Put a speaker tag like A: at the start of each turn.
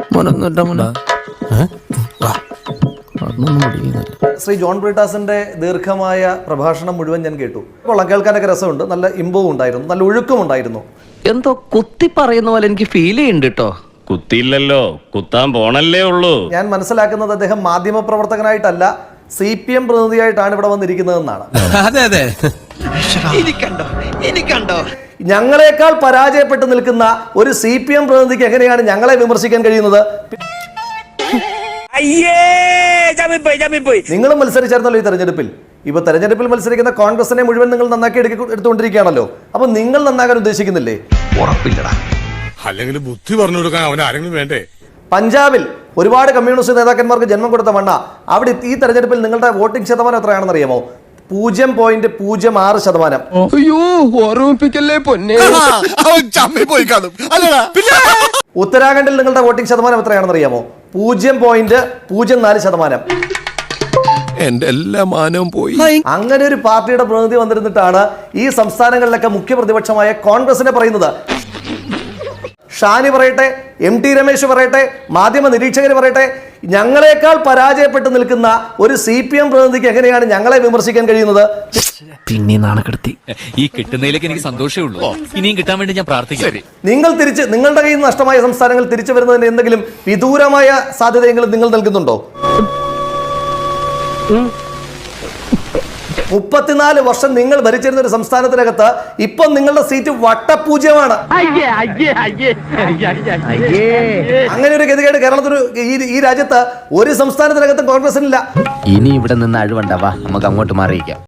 A: Shri John ബ്രിട്ടാസിന്റെ ദീർഘമായ പ്രഭാഷണം മുഴുവൻ ഞാൻ കേട്ടു. കൊള്ളാം, കേൾക്കാനൊക്കെ രസമുണ്ട്. നല്ല ഇമ്പവും ഉണ്ടായിരുന്നു, നല്ല ഒഴുക്കും ഉണ്ടായിരുന്നു.
B: എന്തോ കുത്തി പറയുന്ന പോലെ എനിക്ക് ഫീൽ ചെയ്യുന്നുണ്ട് കേട്ടോ.
C: കുത്തിയില്ലല്ലോ, കുത്താൻ പോണല്ലേ ഉള്ളൂ.
A: ഞാൻ മനസ്സിലാക്കുന്നത് അദ്ദേഹം മാധ്യമ പ്രവർത്തകനായിട്ടല്ല CPM പ്രതിനിധിയായിട്ടാണ് ഇവിടെ വന്നിരിക്കുന്നതെന്നാണ്.
D: അതെ അതെ,
A: ഞങ്ങളെക്കാൾ പരാജയപ്പെട്ട് നിൽക്കുന്ന ഒരു CPM പ്രതിനിധിക്ക് എങ്ങനെയാണ് ഞങ്ങളെ വിമർശിക്കാൻ കഴിയുന്നത്? നിങ്ങളും മത്സരിച്ചായിരുന്നല്ലോ ഈ തെരഞ്ഞെടുപ്പിൽ. ഇപ്പൊ തെരഞ്ഞെടുപ്പിൽ മത്സരിക്കുന്ന കോൺഗ്രസിനെ മുഴുവൻ നിങ്ങൾ നന്നാക്കി എടുത്തുകൊണ്ടിരിക്കുകയാണല്ലോ. അപ്പൊ നിങ്ങൾ നന്നാക്കാൻ ഉദ്ദേശിക്കുന്നില്ലേ?
D: ഉറപ്പില്ലടാ.
E: അല്ലെങ്കിൽ ബുദ്ധി പറഞ്ഞു കൊടുക്കാൻ അവൻ ആരെങ്കിലും വേണ്ടേ?
A: പഞ്ചാബിൽ ഒരുപാട് കമ്മ്യൂണിസ്റ്റ് നേതാക്കന്മാർക്ക് ജന്മം കൊടുത്ത മണ്ണ. അവിടെ ഈ തെരഞ്ഞെടുപ്പിൽ നിങ്ങളുടെ വോട്ടിംഗ് ശതമാനം എത്രയാണെന്ന് അറിയാമോ? 0.06%.
D: അയ്യോ, ഓർമ്മിപ്പിക്കല്ലേ പൊന്നെ.
A: ഉത്തരാഖണ്ഡിൽ നിങ്ങളുടെ വോട്ടിംഗ് ശതമാനം എത്രയാണെന്ന് അറിയാമോ? 0.04%.
D: എന്റെ എല്ലാ മാനവും പോയി.
A: അങ്ങനെ ഒരു പാർട്ടിയുടെ പ്രതിനിധി വന്നിരുന്നിട്ടാണ് ഈ സംസ്ഥാനങ്ങളിലൊക്കെ മുഖ്യ പ്രതിപക്ഷമായ കോൺഗ്രസിനെ പറയുന്നത്. ഷാനി പറയട്ടെ, MT രമേശ് പറയട്ടെ, മാധ്യമ നിരീക്ഷകർ പറയട്ടെ, ഞങ്ങളെക്കാൾ പരാജയപ്പെട്ട് നിൽക്കുന്ന ഒരു CPM പ്രതിനിധിക്ക് എങ്ങനെയാണ് ഞങ്ങളെ വിമർശിക്കാൻ കഴിയുന്നത്?
B: പിന്നെ നാണക്കെടുത്തി.
F: ഈ കിട്ടുന്നതിലേക്ക് എനിക്ക് സന്തോഷമേ ഉള്ളൂ. ഇനിയും കിട്ടാൻ വേണ്ടി ഞാൻ പ്രാർത്ഥിക്കാം.
A: നിങ്ങളുടെ കയ്യിൽ നിന്ന് നഷ്ടമായ സംസ്ഥാനങ്ങൾ തിരിച്ചു വരുന്നതിന് എന്തെങ്കിലും വിദൂരമായ സാധ്യതയെങ്കിലും നിങ്ങൾ നൽകുന്നുണ്ടോ? 34 വർഷം നിങ്ങൾ ഭരിച്ചിരുന്ന ഒരു സംസ്ഥാനത്തിനകത്ത് ഇപ്പം നിങ്ങളുടെ സീറ്റ് വട്ടപൂജ്യമാണ്. അങ്ങനെ ഒരു ഗതികേട് കേരളത്തിന് ഈ രാജ്യത്ത് ഒരു സംസ്ഥാനത്തിനകത്തും കോൺഗ്രസിനില്ല.
B: ഇനി ഇവിടെ നിന്ന് അഴിവണ്ടാവാ, നമുക്ക് അങ്ങോട്ട് മാറിയിക്കാം.